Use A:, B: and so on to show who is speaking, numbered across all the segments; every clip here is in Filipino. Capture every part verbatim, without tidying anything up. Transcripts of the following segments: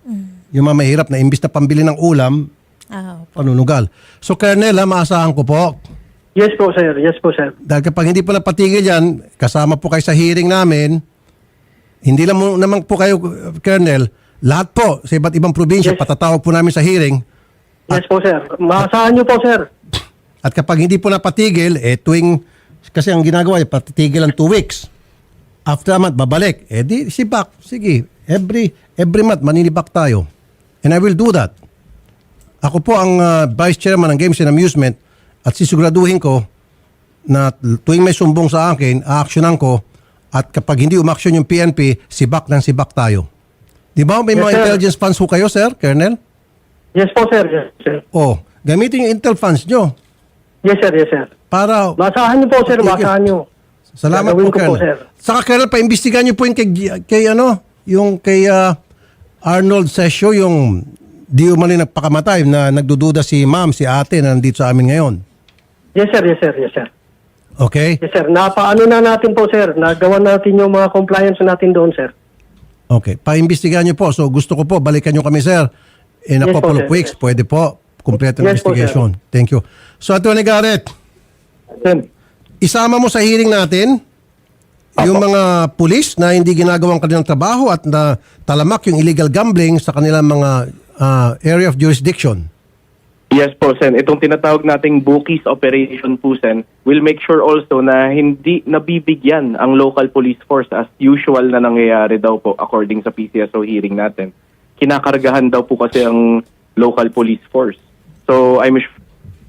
A: Yung mga mahirap na imbis na pambili ng ulam,
B: Ah, opo.
A: panunugal. So, Colonel, ha, maasahan ko po.
C: Yes po, sir. Yes po, sir.
A: Dahil kapag hindi po napatigil yan, kasama po kayo sa hearing namin, hindi lang mo, naman po kayo, Colonel, lahat po sa iba't ibang probinsya,
C: Yes.
A: patatawag po namin sa hearing.
C: Yes po, sir. Maasahan niyo po, sir.
A: At kapag hindi po napatigil, eh tuwing, kasi ang ginagawa, eh, patitigil ang two weeks. After a month, babalik. Eh di, si Bak, sige, every, every month, maninibak tayo. And I will do that. Ako po ang uh, Vice Chairman ng Games and Amusement at sisiguraduhin ko na tuwing may sumbong sa akin, aaksyonan ko at kapag hindi umaksyon yung P N P, sibak ng sibak tayo. Di ba may
C: Yes,
A: mga
C: sir.
A: intelligence funds ho kayo, sir, Colonel?
C: Yes po, sir. Yes, sir.
A: Oh, gamitin yung intel funds nyo
C: Yes, sir. Yes, sir.
A: para...
C: Maasahan niyo po, sir.
A: Okay.
C: Maasahan niyo.
A: Salamat
C: Gagawin
A: po,
C: ko po,
A: Colonel.
C: sir.
A: Saka, Colonel, paimbestigahan niyo po yung kay, kay ano, yung kay ah, Arnold Sesio, yung di umali nagpakamatay na nagdududa si ma'am, si ate na nandito sa amin ngayon.
C: Yes, sir. Yes, sir. Yes, sir.
A: Okay?
C: Yes, sir. Napaano na natin po, sir. Nagawa natin yung mga compliance natin doon, sir.
A: Okay. Paimbestigahan niyo po. So, gusto ko po, balikan niyo kami, sir. In a
C: Yes po,
A: couple
C: sir.
A: of weeks, pwede po. Complete
C: Yes po, sir.
A: investigation. Thank you. So, Atty. Garrett,
C: Sir.
A: isama mo sa hearing natin yung mga pulis na hindi ginagawang kanilang trabaho at na talamak yung illegal gambling sa kanilang mga ah, area of jurisdiction.
D: Yes po, Sen. Itong tinatawag nating Bookies Operation po, Sen, will make sure also na hindi nabibigyan ang local police force as usual na nangyayari daw po according sa P C S O hearing natin. Kinakargahan daw po kasi ang local police force. So, I'm sure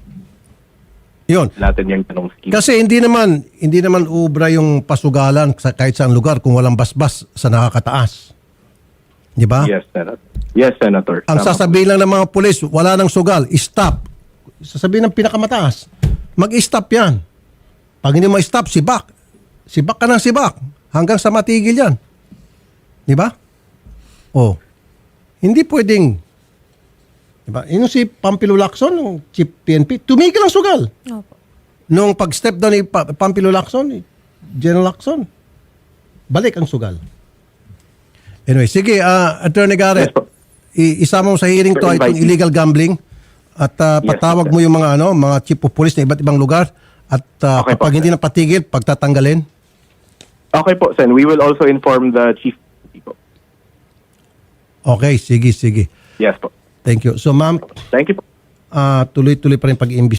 A: Yun.
D: natin yung tanong scheme.
A: Kasi hindi naman hindi naman ubra yung pasugalan sa kahit saang lugar kung walang basbas sa nakakataas. Di ba?
D: Yes, Senator. Yes, Senator.
A: Ang
D: Tama
A: sasabihin lang ng mga pulis, wala nang sugal, stop. Sasabihin ng pinakamataas, mag-stop yan. Pag hindi mo stop, sibak. Sibak ka ng sibak. Hanggang sa matigil yan. Di ba? Oh. Hindi pwedeng, di ba? Yung si Pampilo Lacson, yung chief P N P, tumigil ang sugal.
B: Opo.
A: Nung pag-step down ni Pa- Pampilo Lacson, ni General Lacson, balik ang sugal. Anyway, sige, uh, Attorney Garrett,
D: Yes, po.
A: i- isama mo sa hearing to
D: Sir,
A: itong
D: invite me.
A: illegal gambling at uh,
D: Yes,
A: patawag
D: sir.
A: mo yung mga ano, mga chief of police na iba't ibang lugar at uh,
D: Okay po,
A: kapag
D: sir.
A: hindi napatigil, pagtatanggalin.
D: Okay po, Sen. We will also inform the chief. Po.
A: Okay, sige, sige.
D: Yes po.
A: Thank you. So ma'am,
D: Thank you po.
A: uh, tuloy-tuloy pa rin pag-iimbestiga